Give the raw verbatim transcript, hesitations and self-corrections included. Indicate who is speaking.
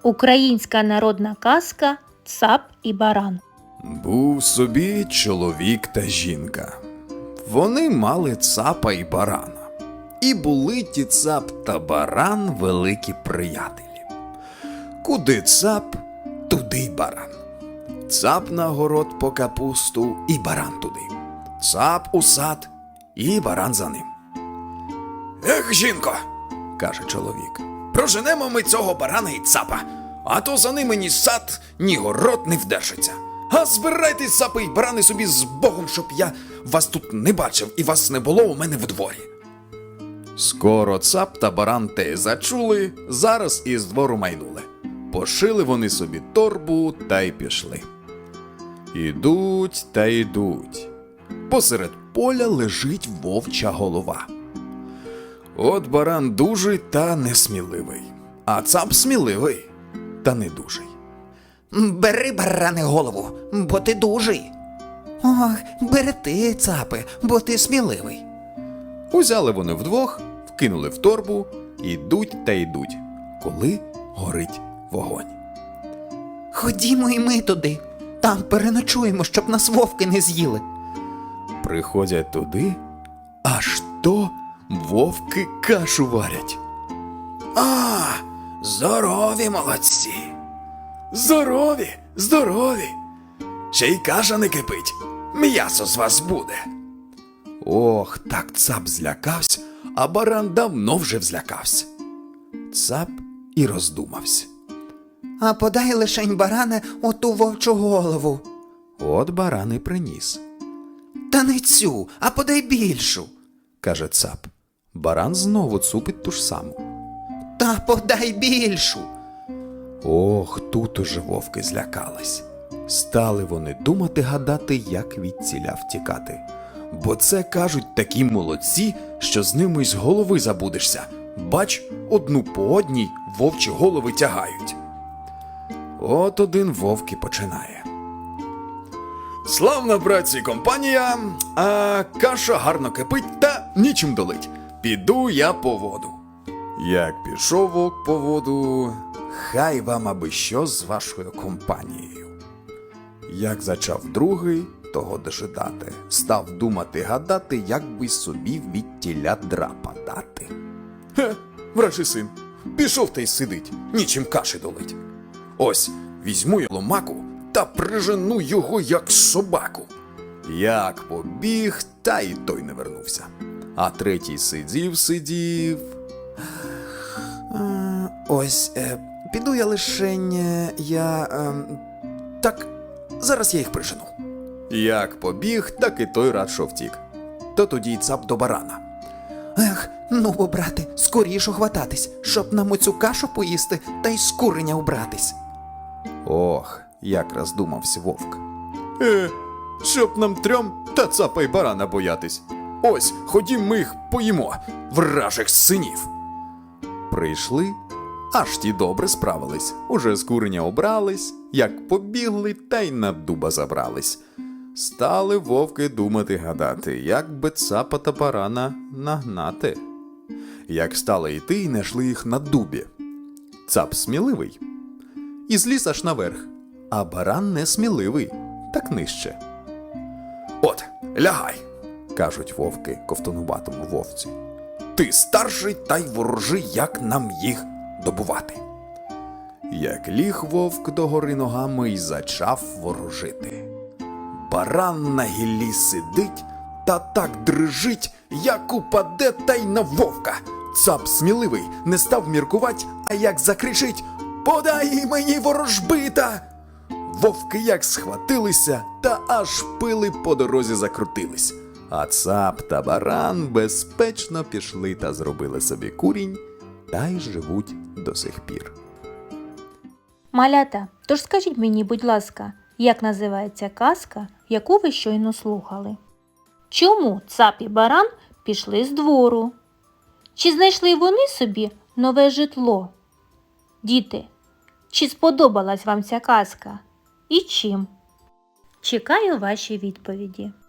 Speaker 1: Українська народна казка «Цап і баран».
Speaker 2: Був собі чоловік та жінка. Вони мали цапа і барана. І були ті цап та баран великі приятелі. Куди цап, туди й баран. Цап на город по капусту і баран туди. Цап у сад і баран за ним. «Ех, жінко, – каже чоловік, – проженемо ми цього барана і цапа, а то за ними ні сад, ні город не вдержиться. А збирайтесь, цапи й барани, собі з Богом, щоб я вас тут не бачив і вас не було у мене в дворі». Скоро цап та баран те зачули, зараз із двору майнули. Пошили вони собі торбу та й пішли. Ідуть та йдуть. Посеред поля лежить вовча голова. От баран дужий та несміливий, а цап сміливий та не дужий.
Speaker 3: «Бери, баране, голову, бо ти дужий». «Ох, бери ти, цапи, бо ти сміливий».
Speaker 2: Узяли вони вдвох, вкинули в торбу, ідуть та йдуть, коли горить вогонь.
Speaker 3: «Ходімо і ми туди, там переночуємо, щоб нас вовки не з'їли».
Speaker 2: Приходять туди, аж то вовки кашу варять. «А, здорові молодці! Здорові, здорові! Ще й каша не кипить, м'ясо з вас буде». Ох, так цап злякався, а баран давно вже взлякався. Цап і роздумався.
Speaker 3: «А подай лишень, баране, оту вовчу голову».
Speaker 2: От баран і приніс.
Speaker 3: «Та не цю, а подай більшу»,
Speaker 2: – каже цап. Баран знову цупить ту ж саму.
Speaker 3: «Та подай більшу».
Speaker 2: Ох, тут уже вовки злякались. Стали вони думати, гадати, як відціля втікати. Бо це, кажуть, такі молодці, що з ними й з голови забудешся. Бач, одну по одній вовчі голови тягають. От один вовк і починає. «Славна, братці, компанія, а каша гарно кипить та нічим долить. Піду я по воду». Як пішов вовк по воду, хай вам аби що з вашою компанією. Як зачав другий, того дожидати, став думати, гадати, як би собі від тіля драпа дати. «Хе, вражий син, пішов та й сидить, нічим каші долить. Ось, візьму я ломаку та прижену його, як собаку». Як побіг, та й той не вернувся. А третій сидів, сидів.
Speaker 3: Е, «Ось, е, піду я лишень, е, я... Е,
Speaker 2: Так, зараз я їх прижену». Як побіг, так і той рад, що втік. То тоді й цап до барана.
Speaker 3: Ех, ну бо, брате, скоріше хвататись, щоб нам оцю кашу поїсти та й з куреня убратись».
Speaker 2: Ох, як роздумався вовк. Е, щоб нам трьом та цапа й барана боятись. Ось, ходім ми їх поїмо, вражих синів. Прийшли, аж ті добре справились. Уже з куреня обрались, як побігли, та й на дуба забрались. Стали вовки думати, гадати, як би цапа та барана нагнати. Як стали йти, й знайшли їх на дубі. Цап сміливий і зліз аж наверх, а баран не сміливий, так нижче. «От, лягай», – кажуть вовки ковтонуватому вовці. «Ти старший, та й ворожи, як нам їх добувати». Як ліг вовк догори ногами й зачав ворожити. Баран на гіллі сидить та так дрижить, як упаде та й на вовка. Цап сміливий не став міркувать, а як закричить: «Подай мені ворожбита!» Вовки як схватилися, та аж пили по дорозі закрутились. А цап та баран безпечно пішли та зробили собі курінь, та й живуть до сих пір.
Speaker 1: Малята, тож скажіть мені, будь ласка, як називається казка, яку ви щойно слухали? Чому цап і баран пішли з двору? Чи знайшли вони собі нове житло? Діти, чи сподобалась вам ця казка? І чим? Чекаю ваші відповіді.